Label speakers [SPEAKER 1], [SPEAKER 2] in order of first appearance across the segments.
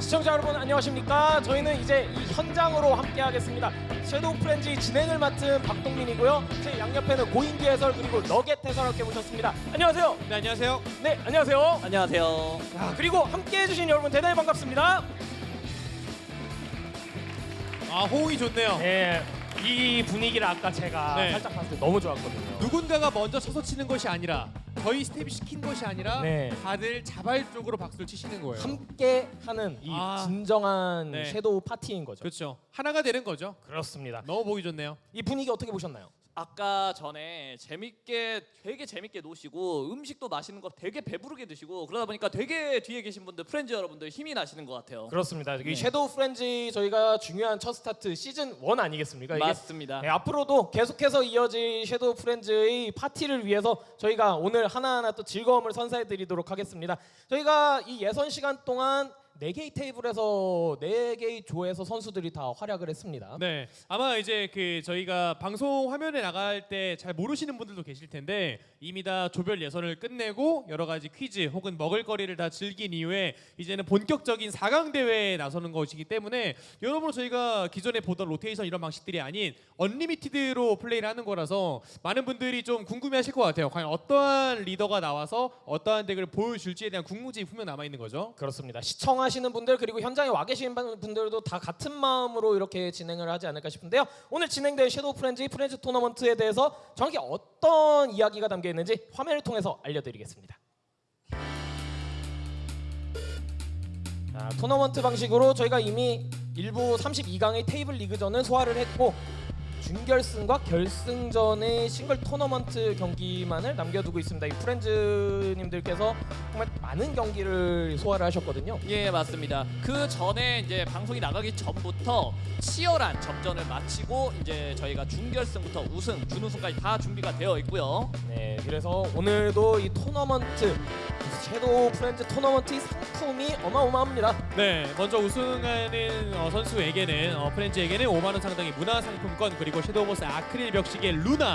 [SPEAKER 1] 시청자 여러분 안녕하십니까? 저희는 이제 이 현장으로 함께 하겠습니다. 섀도우 프렌즈 진행을 맡은 박동민이고요. 제 양옆에는 고인기 해설 그리고 너겟 해설할게 모셨습니다. 안녕하세요.
[SPEAKER 2] 네, 안녕하세요.
[SPEAKER 1] 네, 안녕하세요.
[SPEAKER 3] 안녕하세요.
[SPEAKER 1] 그리고 함께 해주신 여러분 대단히 반갑습니다.
[SPEAKER 2] 호응이 좋네요.
[SPEAKER 1] 네, 이 분위기를 아까 제가
[SPEAKER 2] 네.
[SPEAKER 1] 살짝 봤을 때 너무 좋았거든요.
[SPEAKER 2] 누군가가 먼저 서서 치는 것이 아니라 저희 스텝이 시킨 것이 아니라
[SPEAKER 1] 네.
[SPEAKER 2] 다들 자발적으로 박수를 치시는 거예요.
[SPEAKER 1] 함께 하는 이 진정한
[SPEAKER 2] 네.
[SPEAKER 1] 섀도우 파티인 거죠.
[SPEAKER 2] 그렇죠. 하나가 되는 거죠.
[SPEAKER 1] 그렇습니다.
[SPEAKER 2] 너무 보기 좋네요.
[SPEAKER 1] 이 분위기 어떻게 보셨나요?
[SPEAKER 3] 아까 전에 되게 재밌게 노시고 음식도 맛있는 거 되게 배부르게 드시고 그러다 보니까 되게 뒤에 계신 분들 프렌즈 여러분들 힘이 나시는 것 같아요.
[SPEAKER 1] 그렇습니다. 이
[SPEAKER 3] 네.
[SPEAKER 1] 섀도우 프렌즈 저희가 중요한 첫 스타트 시즌 1 아니겠습니까? 이게
[SPEAKER 3] 맞습니다.
[SPEAKER 1] 네, 앞으로도 계속해서 이어질 섀도우 프렌즈의 파티를 위해서 저희가 오늘 하나하나 또 즐거움을 선사해 드리도록 하겠습니다. 저희가 이 예선 시간 동안 4개의 테이블에서 4개의 조에서 선수들이 다 활약을 했습니다.
[SPEAKER 2] 네, 아마 이제 저희가 방송 화면에 나갈 때 잘 모르시는 분들도 계실 텐데 이미 다 조별 예선을 끝내고 여러 가지 퀴즈 혹은 먹을거리를 다 즐긴 이후에 이제는 본격적인 4강 대회에 나서는 것이기 때문에 여러분 저희가 기존에 보던 로테이션 이런 방식들이 아닌 언리미티드로 플레이를 하는 거라서 많은 분들이 좀 궁금해하실 것 같아요. 과연 어떠한 리더가 나와서 어떠한 덱을 보여줄지에 대한 궁금증이 분명 남아 있는 거죠.
[SPEAKER 1] 그렇습니다. 시청하시는 분들 그리고 현장에 와 계신 분들도 다 같은 마음으로 이렇게 진행을 하지 않을까 싶은데요. 오늘 진행될 섀도우 프렌즈 토너먼트에 대해서 정확히 어떤 이야기가 담겨 있는지 화면을 통해서 알려드리겠습니다. 자, 토너먼트 방식으로 저희가 이미 일부 32강의 테이블 리그전을 소화를 했고 준결승과 결승전의 싱글 토너먼트 경기만을 남겨두고 있습니다. 이 프렌즈님들께서 정말 많은 경기를 소화를 하셨거든요.
[SPEAKER 3] 예, 맞습니다. 그 전에 이제 방송이 나가기 전부터 치열한 접전을 마치고 이제 저희가 준결승부터 우승, 준우승까지 다 준비가 되어 있고요.
[SPEAKER 1] 네, 그래서 오늘도 이 토너먼트 섀도우 프렌즈 토너먼트의 상품이 어마어마합니다.
[SPEAKER 2] 네, 먼저 우승하는 선수에게는 프렌즈에게는 5만 원 상당의 문화상품권 그리고 섀도우 보스 아크릴 벽시계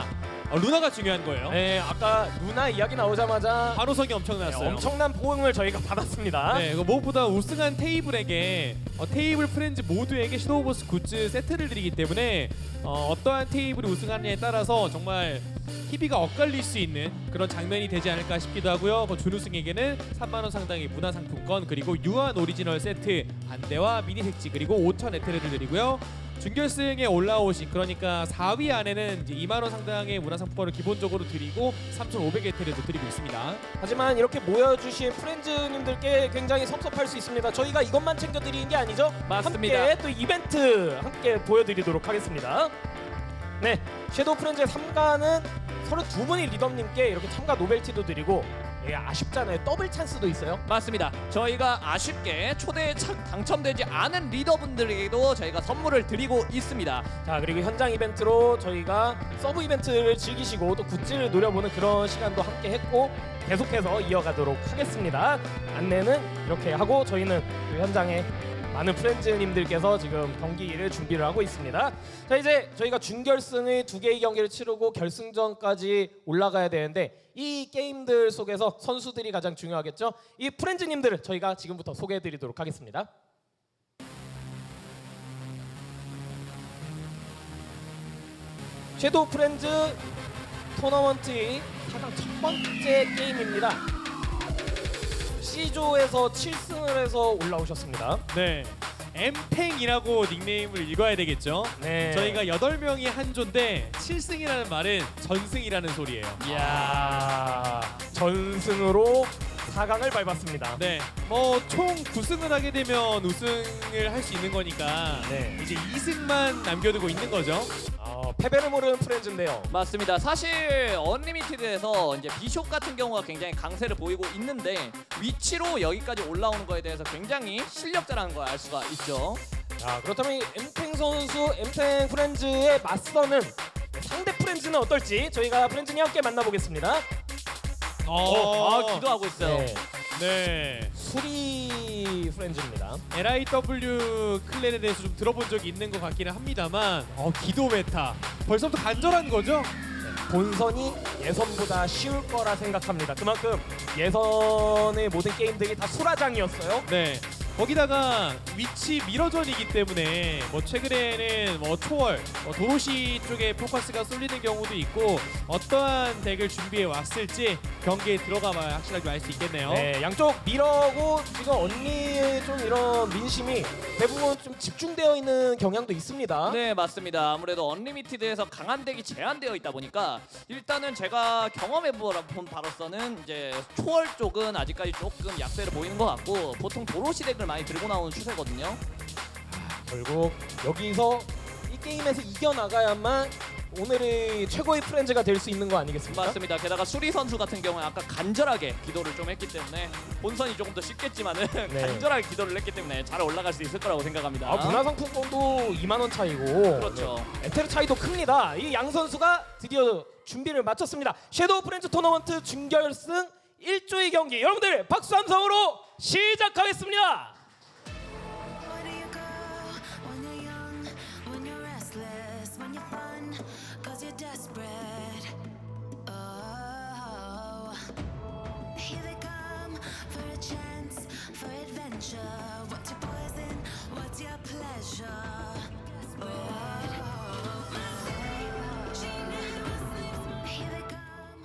[SPEAKER 2] 루나가 중요한 거예요.
[SPEAKER 1] 네, 아까 루나 이야기 나오자마자
[SPEAKER 2] 환호성이 엄청났어요.
[SPEAKER 1] 엄청난 보응을 저희가 받았습니다.
[SPEAKER 2] 네, 무엇보다 우승한 테이블에게 테이블 프렌즈 모두에게 섀도우 보스 굿즈 세트를 드리기 때문에 어떠한 테이블이 우승하느냐에 따라서 정말 희비가 엇갈릴 수 있는 그런 장면이 되지 않을까 싶기도 하고요. 준우승에게는 3만 원 상당의 문화상품권 그리고 유한 오리지널 세트 안대와 미니 색지 그리고 5천 에테르를 드리고요. 준결승에 올라오신 그러니까 4위 안에는 이제 2만 원 상당의 문화상품권을 기본적으로 드리고 3,500 에테르도 드리고 있습니다.
[SPEAKER 1] 하지만 이렇게 모여주신 프렌즈님들께 굉장히 섭섭할 수 있습니다. 저희가 이것만 챙겨드리는 게 아니죠?
[SPEAKER 3] 맞습니다.
[SPEAKER 1] 함께 또 이벤트 함께 보여드리도록 하겠습니다. 네, 섀도우 프렌즈의 3가는 32분의 리더님께 이렇게 참가 노벨티도 드리고 아쉽잖아요. 더블 찬스도 있어요.
[SPEAKER 3] 맞습니다. 저희가 아쉽게 초대에 당첨되지 않은 리더분들에게도 저희가 선물을 드리고 있습니다.
[SPEAKER 1] 자, 그리고 현장 이벤트로 저희가 서브 이벤트를 즐기시고 또 굿즈를 노려보는 그런 시간도 함께 했고 계속해서 이어가도록 하겠습니다. 안내는 이렇게 하고 저희는 그 현장에 많은 프렌즈님들께서 지금 경기를 준비를 하고 있습니다. 자, 이제 저희가 준결승의 2개의 경기를 치르고 결승전까지 올라가야 되는데 이 게임들 속에서 선수들이 가장 중요하겠죠. 이 프렌즈님들을 저희가 지금부터 소개해드리도록 하겠습니다. 섀도우 프렌즈 토너먼트의 가장 첫 번째 게임입니다. C조에서 7승을 해서 올라오셨습니다.
[SPEAKER 2] 네, 엠팽이라고 닉네임을 읽어야 되겠죠.
[SPEAKER 1] 네.
[SPEAKER 2] 저희가 8명이 한 조인데 7승이라는 말은 전승이라는 소리예요.
[SPEAKER 1] 이야, 전승으로 4강을 밟았습니다.
[SPEAKER 2] 네, 총 9승을 하게 되면 우승을 할 수 있는 거니까
[SPEAKER 1] 네.
[SPEAKER 2] 이제 2승만 남겨두고 있는 거죠.
[SPEAKER 1] 패배를 모르는 프렌즈인데요.
[SPEAKER 3] 맞습니다. 사실 언리미티드에서 이제 비숍 같은 경우가 굉장히 강세를 보이고 있는데 위치로 여기까지 올라오는 거에 대해서 굉장히 실력자라는 걸 알 수가 있죠.
[SPEAKER 1] 자, 그렇다면 이 엠팽 선수, 엠팽 프렌즈의 맞서는 상대 프렌즈는 어떨지 저희가 프렌즈님 함께 만나보겠습니다.
[SPEAKER 3] 기도하고 있어요.
[SPEAKER 1] 네.
[SPEAKER 2] 네.
[SPEAKER 1] 수리 프렌즈입니다.
[SPEAKER 2] LIW 클랜에 대해서 좀 들어본 적이 있는 것 같기는 합니다만 기도 메타 벌써부터 간절한 거죠?
[SPEAKER 1] 본선이 예선보다 쉬울 거라 생각합니다. 그만큼 예선의 모든 게임들이 다 수라장이었어요.
[SPEAKER 2] 네. 거기다가 위치 미러전이기 때문에 뭐 최근에는 뭐 초월, 도로시 쪽에 포커스가 쏠리는 경우도 있고 어떠한 덱을 준비해 왔을지 경기에 들어가봐야 확실하게 알 수 있겠네요.
[SPEAKER 1] 네, 양쪽 미러고 지금 언니의 좀 이런 민심이 대부분 좀 집중되어 있는 경향도 있습니다.
[SPEAKER 3] 네, 맞습니다. 아무래도 언리미티드에서 강한 덱이 제한되어 있다 보니까 일단은 제가 경험해본 바로서는 이제 초월 쪽은 아직까지 조금 약세를 보이는 것 같고 보통 도로시 덱을 많이 들고 나오는 추세거든요.
[SPEAKER 1] 결국 여기서 이 게임에서 이겨나가야만 오늘의 최고의 프렌즈가 될 수 있는 거 아니겠습니까?
[SPEAKER 3] 맞습니다. 게다가 수리 선수 같은 경우는 아까 간절하게 기도를 좀 했기 때문에 본선이 조금 더 쉽겠지만은
[SPEAKER 1] 네.
[SPEAKER 3] 간절하게 기도를 했기 때문에 잘 올라갈 수 있을 거라고 생각합니다.
[SPEAKER 1] 아, 문화상품권도 2만 원 차이고
[SPEAKER 3] 그렇죠.
[SPEAKER 1] 에테르 차이도 큽니다. 이 양 선수가 드디어 준비를 마쳤습니다. 섀도우 프렌즈 토너먼트 준결승 1조의 경기 여러분들 박수 함성으로 시작하겠습니다.
[SPEAKER 4] Where do you go when you're young, when you're restless, when you're fun, cause you're desperate? Oh, here they come for a chance, for adventure. What's your poison? What's your pleasure? Here they come.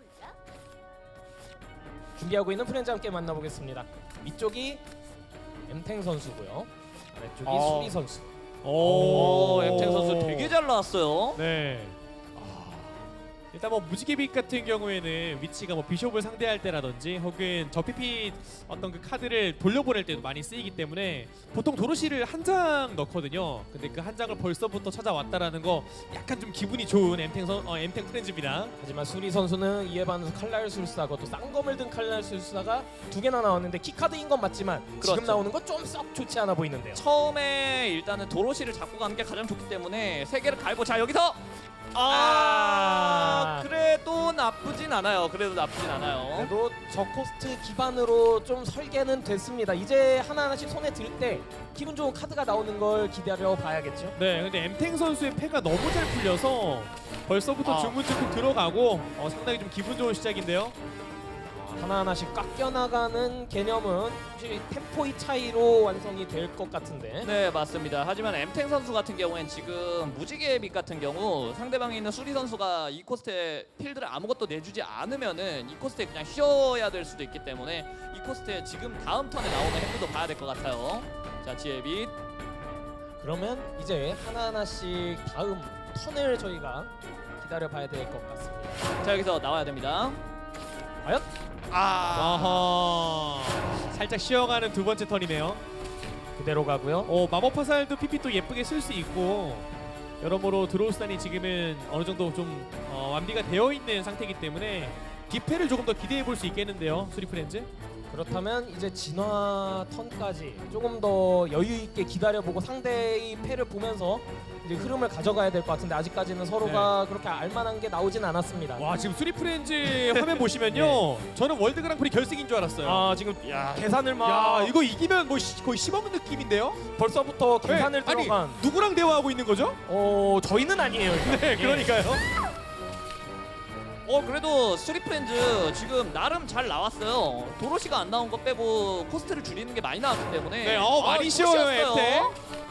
[SPEAKER 1] 준비하고 있는 프렌즈 함께 만나보겠습니다. 위쪽이 엠탱 선수고요. 아래쪽이 수리 선수.
[SPEAKER 3] 오, 엠탱 선수 되게 잘 나왔어요.
[SPEAKER 2] 네. 일단 뭐 무지개빛 같은 경우에는 위치가 뭐 비숍을 상대할 때라든지 혹은 저 PP 어떤 그 카드를 돌려보낼 때도 많이 쓰이기 때문에 보통 도로시를 한 장 넣거든요. 근데 그 한 장을 벌써부터 찾아왔다라는 거 약간 좀 기분이 좋은 엠탱 프렌즈입니다.
[SPEAKER 1] 하지만 수리 선수는 이에 반해서 칼날 술사고 또 쌍검을 든 칼날 술사가 2개나 나왔는데 키카드인 건 맞지만 지금
[SPEAKER 3] 그렇죠.
[SPEAKER 1] 나오는 건 좀 썩 좋지 않아 보이는데요.
[SPEAKER 3] 처음에 일단은 도로시를 잡고 가는 게 가장 좋기 때문에 세 개를 갈고 자 여기서 그래도 나쁘진 않아요. 그래도
[SPEAKER 1] 저 코스트 기반으로 좀 설계는 됐습니다. 이제 하나하나씩 손에 들 때 기분 좋은 카드가 나오는 걸 기다려 봐야겠죠.
[SPEAKER 2] 네, 근데 엠탱 선수의 패가 너무 잘 풀려서 벌써부터 중문적으로 들어가고 상당히 좀 기분 좋은 시작인데요.
[SPEAKER 1] 하나하나씩 깎여나가는 개념은 혹시 템포의 차이로 완성이 될 것 같은데.
[SPEAKER 3] 네, 맞습니다. 하지만 엠탱 선수 같은 경우엔 지금 무지개 빛 같은 경우 상대방에 있는 수리 선수가 이 코스트에 필드를 아무것도 내주지 않으면은 이 코스트에 그냥 쉬어야 될 수도 있기 때문에 이 코스트에 지금 다음 턴에 나오는 핸드도 봐야 될 것 같아요. 자, 지혜 빛.
[SPEAKER 1] 그러면 이제 하나하나씩 다음 턴을 저희가 기다려 봐야 될 것 같습니다.
[SPEAKER 3] 자, 여기서 나와야 됩니다.
[SPEAKER 1] 과연?
[SPEAKER 2] 아하, 살짝 쉬어가는 두 번째 턴이네요.
[SPEAKER 1] 그대로 가고요.
[SPEAKER 2] 마법 화살도 PP 또 예쁘게 쓸 수 있고 여러모로 드로우스단이 지금은 어느 정도 좀 완비가 되어 있는 상태이기 때문에 뒷패를 조금 더 기대해 볼 수 있겠는데요, 수리 프렌즈.
[SPEAKER 1] 그렇다면 이제 진화 턴까지 조금 더 여유 있게 기다려보고 상대의 패를 보면서 이제 흐름을 가져가야 될 것 같은데 아직까지는 서로가 그렇게 알만한 게 나오진 않았습니다.
[SPEAKER 2] 와, 지금 수리 프렌즈 화면 보시면요, 저는 월드 그랑프리 결승인 줄 알았어요.
[SPEAKER 1] 아 지금 계산을 막
[SPEAKER 2] 야, 이거 이기면 뭐 거의 씹어먹는 느낌인데요?
[SPEAKER 1] 벌써부터 계산을
[SPEAKER 2] 아니,
[SPEAKER 1] 들어간.
[SPEAKER 2] 누구랑 대화하고 있는 거죠?
[SPEAKER 1] 저희는 아니에요. 일단.
[SPEAKER 2] 네, 그러니까요.
[SPEAKER 3] 그래도 스트릿 프렌즈 지금 나름 잘 나왔어요. 도로시가 안 나온 거 빼고 코스트를 줄이는 게 많이 나왔기 때문에
[SPEAKER 2] 네, 많이 쉬워요, 엠테.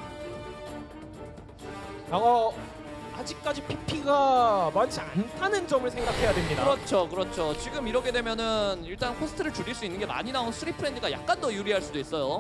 [SPEAKER 1] 아직까지 PP가 많지 않다는 점을 생각해야 됩니다.
[SPEAKER 3] 그렇죠. 지금 이렇게 되면은 일단 코스트를 줄일 수 있는 게 많이 나온 스트릿 프렌즈가 약간 더 유리할 수도 있어요.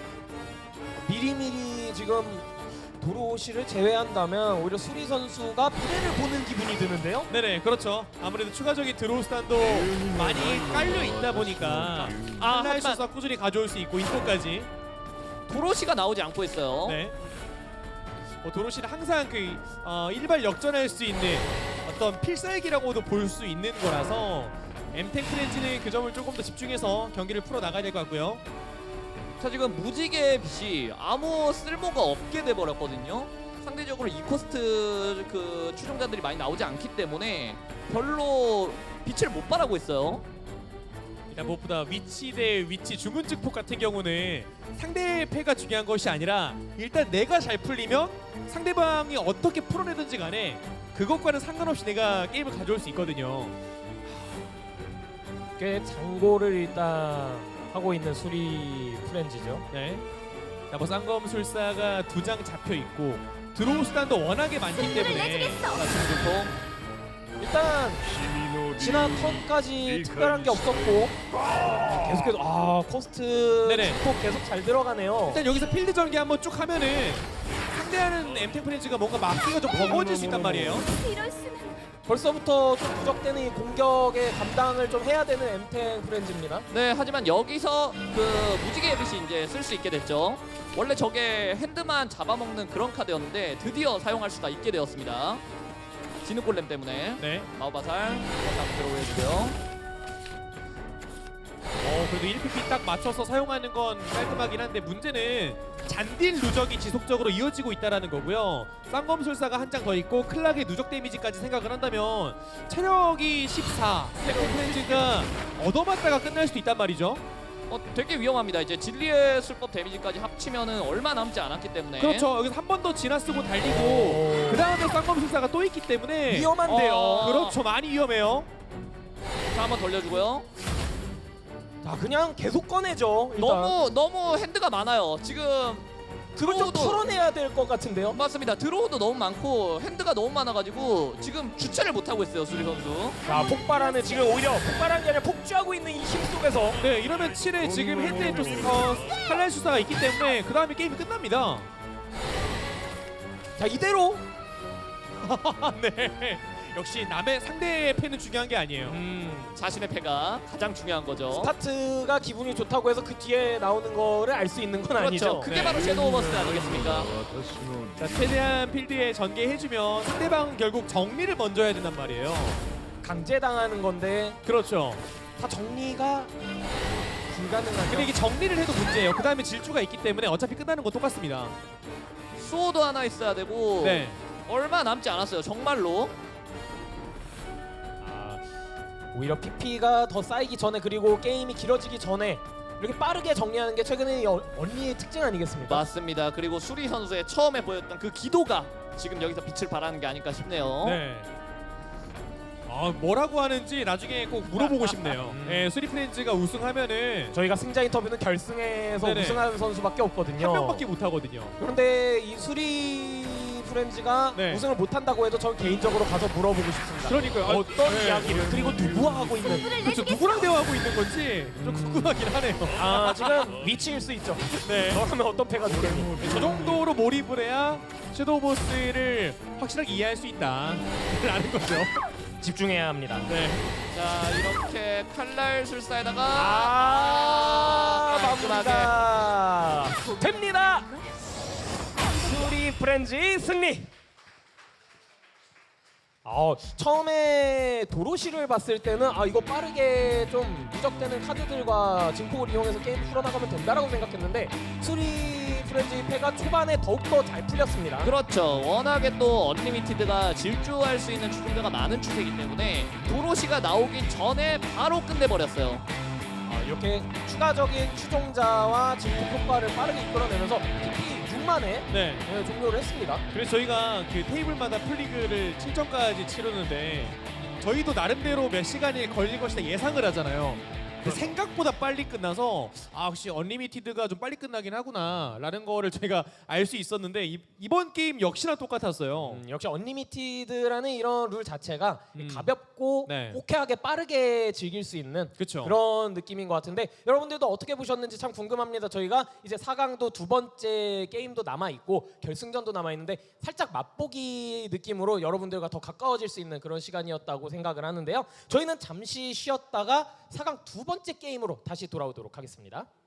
[SPEAKER 1] 미리미리 지금 도로시를 제외한다면 오히려 수리 선수가 미래를 보는 기분이 드는데요.
[SPEAKER 2] 네네, 그렇죠. 아무래도 추가적인 드로우스단도 많이 깔려 있다 보니까
[SPEAKER 3] 하지만
[SPEAKER 2] 하지만 꾸준히 가져올 수 있고 인포까지.
[SPEAKER 3] 도로시가 나오지 않고 있어요.
[SPEAKER 2] 네. 도로시는 항상 그 일발 역전할 수 있는 어떤 필살기라고도 볼 수 있는 거라서 엠탱 프렌즈는 그 점을 조금 더 집중해서 경기를 풀어 나가야 될 것 같고요.
[SPEAKER 3] 자, 지금 무지개 빛이 아무 쓸모가 없게 돼 버렸거든요. 상대적으로 이 코스트 그 추종자들이 많이 나오지 않기 때문에 별로 빛을 못 발하고 있어요.
[SPEAKER 2] 일단 무엇보다 위치 대 위치 중근즉폭 같은 경우는 상대의 패가 중요한 것이 아니라 일단 내가 잘 풀리면 상대방이 어떻게 풀어내든지 간에 그것과는 상관없이 내가 게임을 가져올 수 있거든요.
[SPEAKER 1] 꽤 장고를 일단 하고 있는 수리 프렌즈죠.
[SPEAKER 2] 네. 자, 뭐 쌍검술사가 2장 잡혀 있고 드로우 수단도 워낙에 많기 때문에
[SPEAKER 3] 중중통.
[SPEAKER 1] 일단 지난 턴까지 특별한 게 없었고 계속해서 코스트
[SPEAKER 2] 네네.
[SPEAKER 1] 또 계속 잘 들어가네요.
[SPEAKER 2] 일단 여기서 필드 전개 한번 쭉 하면은 상대하는 엠텍 프렌즈가 뭔가 막기가 좀 버거워질 수 있단 말이에요.
[SPEAKER 4] 이럴 수는.
[SPEAKER 1] 벌써부터 좀 부족되는 이 공격의 감당을 좀 해야 되는 엠텍 프렌즈입니다.
[SPEAKER 3] 네, 하지만 여기서 그 무지개 앱이 이제 쓸 수 있게 됐죠. 원래 저게 핸드만 잡아먹는 그런 카드였는데 드디어 사용할 수가 있게 되었습니다. 진흙골렘 때문에.
[SPEAKER 2] 네.
[SPEAKER 3] 마오바살 상태로 해주고요.
[SPEAKER 2] 그래도 1PP 딱 맞춰서 사용하는 건 깔끔하긴 한데 문제는 잔딜 누적이 지속적으로 이어지고 있다라는 거고요. 쌍검술사가 한 장 더 있고 클락의 누적 데미지까지 생각을 한다면 체력이 14, 엠텍 프렌즈가 얻어맞다가 끝날 수도 있단 말이죠.
[SPEAKER 3] 되게 위험합니다. 이제 진리의 술법 데미지까지 합치면은 얼마 남지 않았기 때문에.
[SPEAKER 2] 그렇죠. 여기서 한 번 더 지나 쓰고 달리고 그 다음에 쌍검술사가 또 있기 때문에
[SPEAKER 1] 위험한데요.
[SPEAKER 2] 그렇죠. 많이 위험해요.
[SPEAKER 3] 자, 한번 돌려주고요.
[SPEAKER 1] 자, 그냥 계속 꺼내죠. 일단.
[SPEAKER 3] 너무 핸드가 많아요. 지금
[SPEAKER 1] 그걸 좀
[SPEAKER 3] 드로우도
[SPEAKER 1] 털어내야 될 것 같은데요.
[SPEAKER 3] 맞습니다. 드로우도 너무 많고 핸드가 너무 많아가지고 지금 주체를 못 하고 있어요, 수리 선수.
[SPEAKER 1] 자, 폭발하는 지금 오히려 폭발한 게 아니라 폭주하고 있는 이 힘 속에서
[SPEAKER 2] 네, 이러면 7에 지금 핸드에 또 칼날 수사가 있기 때문에 그 다음에 게임이 끝납니다.
[SPEAKER 1] 자, 이대로
[SPEAKER 2] 네. 역시 남의 상대의 패는 중요한 게 아니에요.
[SPEAKER 3] 자신의 패가 가장 중요한 거죠.
[SPEAKER 1] 스타트가 기분이 좋다고 해서 그 뒤에 나오는 거를 알 수 있는 건
[SPEAKER 3] 그렇죠.
[SPEAKER 1] 아니죠.
[SPEAKER 3] 그게
[SPEAKER 2] 네.
[SPEAKER 3] 바로 섀도우 버스트 아니겠습니까?
[SPEAKER 2] 자, 최대한 필드에 전개해주면 상대방 결국 정리를 먼저 해야 된단 말이에요.
[SPEAKER 1] 강제당하는 건데
[SPEAKER 2] 그렇죠.
[SPEAKER 1] 다 정리가 불가능하죠.
[SPEAKER 2] 근데 이게 정리를 해도 문제예요. 그 다음에 질주가 있기 때문에 어차피 끝나는 건 똑같습니다.
[SPEAKER 3] 수호도 하나 있어야 되고
[SPEAKER 2] 네.
[SPEAKER 3] 얼마 남지 않았어요. 정말로.
[SPEAKER 1] 오히려 PP가 더 쌓이기 전에 그리고 게임이 길어지기 전에 이렇게 빠르게 정리하는 게 최근에 언니의 특징 아니겠습니까?
[SPEAKER 3] 맞습니다. 그리고 수리 선수의 처음에 보였던 그 기도가 지금 여기서 빛을 발하는 게 아닐까 싶네요.
[SPEAKER 2] 네. 뭐라고 하는지 나중에 꼭 물어보고 싶네요. 네, 수리 프렌즈가 우승하면은
[SPEAKER 1] 저희가 승자 인터뷰는 결승에서
[SPEAKER 2] 네네.
[SPEAKER 1] 우승하는 선수밖에 없거든요.
[SPEAKER 2] 한 명밖에 못 하거든요.
[SPEAKER 1] 그런데 이 수리 프렌즈가
[SPEAKER 2] 네.
[SPEAKER 1] 우승을 못한다고 해도 전 개인적으로 가서 물어보고 싶습니다.
[SPEAKER 2] 그러니까요.
[SPEAKER 1] 어떤
[SPEAKER 2] 네.
[SPEAKER 1] 이야기를 그리고 누구와 하고 있는
[SPEAKER 2] 그렇죠. 누구랑 대화하고 있는 건지 좀 궁금하긴 하네요.
[SPEAKER 1] 지금 위치일 수 있죠.
[SPEAKER 2] 네.
[SPEAKER 1] 너라면 어떤 패가 되겠니?
[SPEAKER 2] 저 정도로 몰입을 해야 섀도우 보스를 확실하게 이해할 수 있다라는 거죠.
[SPEAKER 1] 집중해야 합니다.
[SPEAKER 2] 네.
[SPEAKER 3] 자, 이렇게 칼날 술사에다가 깔끔하게.
[SPEAKER 1] 마무리가 됩니다. 수리 프렌즈 승리. 처음에 도로시를 봤을 때는 이거 빠르게 좀 누적되는 카드들과 증폭을 이용해서 게임 풀어나가면 된다라고 생각했는데 수리 프렌즈 패가 초반에 더욱더 잘 풀렸습니다.
[SPEAKER 3] 그렇죠. 워낙에 또 언리미티드가 질주할 수 있는 추종자가 많은 추세이기 때문에 도로시가 나오기 전에 바로 끝내버렸어요.
[SPEAKER 1] 이렇게 추가적인 추종자와 증폭 효과를 빠르게 이끌어내면서 PP 6만에
[SPEAKER 2] 네.
[SPEAKER 1] 종료를 했습니다.
[SPEAKER 2] 그래서 저희가 그 테이블마다 풀리그를 7점까지 치르는데 저희도 나름대로 몇 시간이 걸릴 것이다 예상을 하잖아요. 근데 생각보다 빨리 끝나서 역시 언리미티드가 좀 빨리 끝나긴 하구나 라는 거를 저희가 알 수 있었는데 이번 게임 역시나 똑같았어요.
[SPEAKER 1] 역시 언리미티드라는 이런 룰 자체가 가볍고
[SPEAKER 2] 네.
[SPEAKER 1] 호쾌하게 빠르게 즐길 수 있는
[SPEAKER 2] 그쵸.
[SPEAKER 1] 그런 느낌인 것 같은데 여러분들도 어떻게 보셨는지 참 궁금합니다. 저희가 이제 4강도 두 번째 게임도 남아있고 결승전도 남아있는데 살짝 맛보기 느낌으로 여러분들과 더 가까워질 수 있는 그런 시간이었다고 생각을 하는데요. 저희는 잠시 쉬었다가 4강 두 번째 게임으로 다시 돌아오도록 하겠습니다.